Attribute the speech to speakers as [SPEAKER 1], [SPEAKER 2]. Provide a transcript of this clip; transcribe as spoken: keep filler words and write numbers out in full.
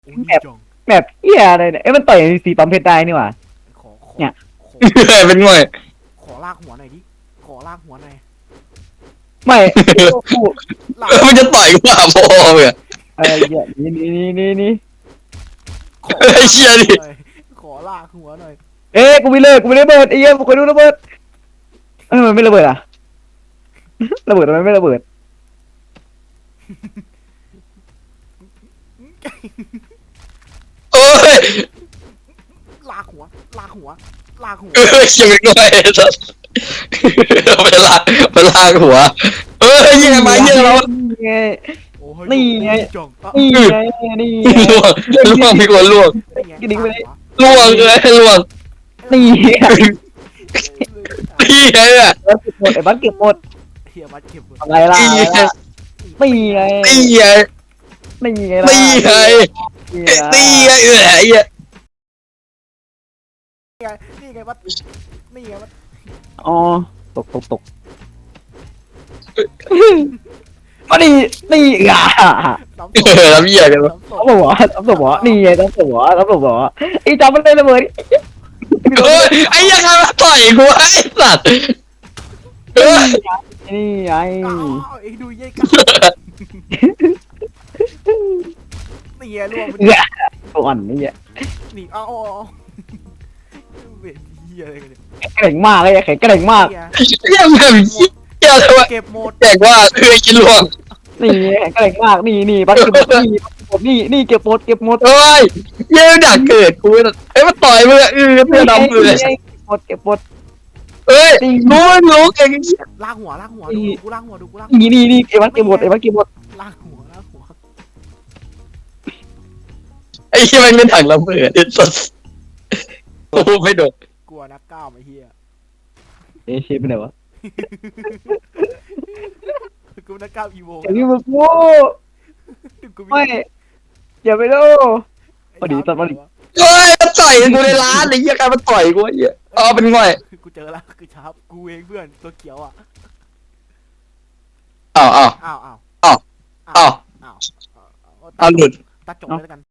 [SPEAKER 1] โอ้ย
[SPEAKER 2] แบบ
[SPEAKER 1] จอง
[SPEAKER 2] แบบเหี้ยอะไรเนี่ยเอ้ยมันต่อยสีปั๊มเพชรได้นี่หว่า
[SPEAKER 1] ขอขอ
[SPEAKER 2] เนี่ย
[SPEAKER 1] ขอ
[SPEAKER 3] เป็นง่อย
[SPEAKER 1] ขอลากหัวหน่อยดิขอลากหัวหน่อย
[SPEAKER 2] ไม่กู
[SPEAKER 1] ลาก
[SPEAKER 3] มันจะต่อยกูอ่ะพ่อเนี่ย
[SPEAKER 2] เออเหี้ยนี่นี่นี่นี่นี่
[SPEAKER 1] ขอ
[SPEAKER 3] ไอ้เชี่ยดิ
[SPEAKER 1] หน่อยขอลากหัวหน่อย
[SPEAKER 2] เอ้ยกูไม่เลิกกูไม่ระเบิดไอ้เหี้ยกูเคยดูระเบิดเออมันไม่ระเบิดอ่ะ ระเบิดทำไมไม่ระเบิด
[SPEAKER 3] โอ้ย
[SPEAKER 1] ลากหัวลากหัวลากหัว
[SPEAKER 3] เออเชี่ยเป็นง่อยสัสไปลากไปลากหัวเออเยี่ยมาเยี่ยแล้ว
[SPEAKER 2] นี่ไง
[SPEAKER 1] โอ้ย
[SPEAKER 2] นี่ไง
[SPEAKER 1] จองอ่ะ
[SPEAKER 2] นี่ไงนี่ไง
[SPEAKER 3] ล่วงล่วงมีคนล่วง
[SPEAKER 1] นี่ไง
[SPEAKER 2] กระดิ่งไปเลย
[SPEAKER 3] ล่วงเลยล่วง
[SPEAKER 2] นี่ไง
[SPEAKER 3] นี่ไงอ่ะ
[SPEAKER 2] แล้วเก็บหมดไอ้บ้านเก็บหมด
[SPEAKER 1] เฮียมาเก็บ
[SPEAKER 2] อะไรล่ะอะไรล่ะนี่ไง
[SPEAKER 3] นี่ไง
[SPEAKER 2] นี่ไงล่ะ
[SPEAKER 3] นี่ไง
[SPEAKER 2] นี่ไง
[SPEAKER 3] นี่ไงเออไอ้เหี้ย
[SPEAKER 1] นี่ไงนี่ไงวัดนี่ไงวัด
[SPEAKER 2] อ๋อตกตกตกมาดินี่อ่ะ
[SPEAKER 1] น้ำ
[SPEAKER 3] เออแล้วเหี้ยกันวะ
[SPEAKER 1] น้ำต
[SPEAKER 2] ทำตัวหัวทำตัวหัวนี่ไงทำตัวหัวทำตัวหัวไอ้จอมมันเลยระเบิด
[SPEAKER 3] เฮ้ยไอ้เหี้ยังไงมาต่อยกูไอ้สัตว์เฮ้ย
[SPEAKER 2] นี่ไง
[SPEAKER 1] อ้าวไอ้ดูยัยกันนี่ไงรวมมัน
[SPEAKER 2] เอื้อตัวอ่อนนี่อ่ะ
[SPEAKER 1] นี่เอาเอาเอาเวทเฮียอะไรกันเนี่ย
[SPEAKER 2] แข็งมากเลยแข็งแกร่งมาก
[SPEAKER 1] นี่ไง
[SPEAKER 3] เหี้ยังแบบเหี้ยอะไรวะ
[SPEAKER 1] เก็บหมด
[SPEAKER 3] แจกว่าเออกินล่วง
[SPEAKER 2] นี่แข็งแกร่งมากนี่นี่บัตรเก็บหมดนี่นี่นี่เก็บหมดเก็บหมด
[SPEAKER 3] เฮ้ยเหี้ยังดักเกิดกูเลยไอ้ยมาต่อยมึงอะเออเพื่อดำเลย
[SPEAKER 2] เก็บหมดเก็บหมด
[SPEAKER 3] เอ้ยรู้รู้เก่ง
[SPEAKER 1] ลากหัวลากหัวดูกูลากหัวดูกูลาก
[SPEAKER 2] นี่นี่นี่ไอ้บัตรเก็บหมดไอ้บัตรเก็บหมด
[SPEAKER 1] ลากหัวลากหัว
[SPEAKER 3] ไอ้เหี้ยมันเป็นถังระเบิดไอ้สัสโอ้ไม่โดน
[SPEAKER 1] กลัวนักกล้ามไอ้เฮีย
[SPEAKER 2] เอ๊ะเชฟไปไหนวะ
[SPEAKER 1] กูนักกล้ามอีโว
[SPEAKER 2] อย่างนี้มึงโง่
[SPEAKER 1] กู
[SPEAKER 2] ไม่อย่าไปโลพอดีตัดพอดี
[SPEAKER 3] เฮ้ยมาต่อยกูในร้านไอ้เหี้ยใครมาต่อยกูไอ้เหี้ยอ๋อเป็นง่อย
[SPEAKER 1] กูเจอแล้วคือชาร์ปกูเองเพื่อนตัวเขียวอ่ะ
[SPEAKER 3] อ้าวอ้าว
[SPEAKER 1] อ้าวอ้าว
[SPEAKER 3] อ้าวอ้าว
[SPEAKER 1] อ้าว
[SPEAKER 3] อ้าวหลุด
[SPEAKER 1] ตัดจบเลยแล้วกัน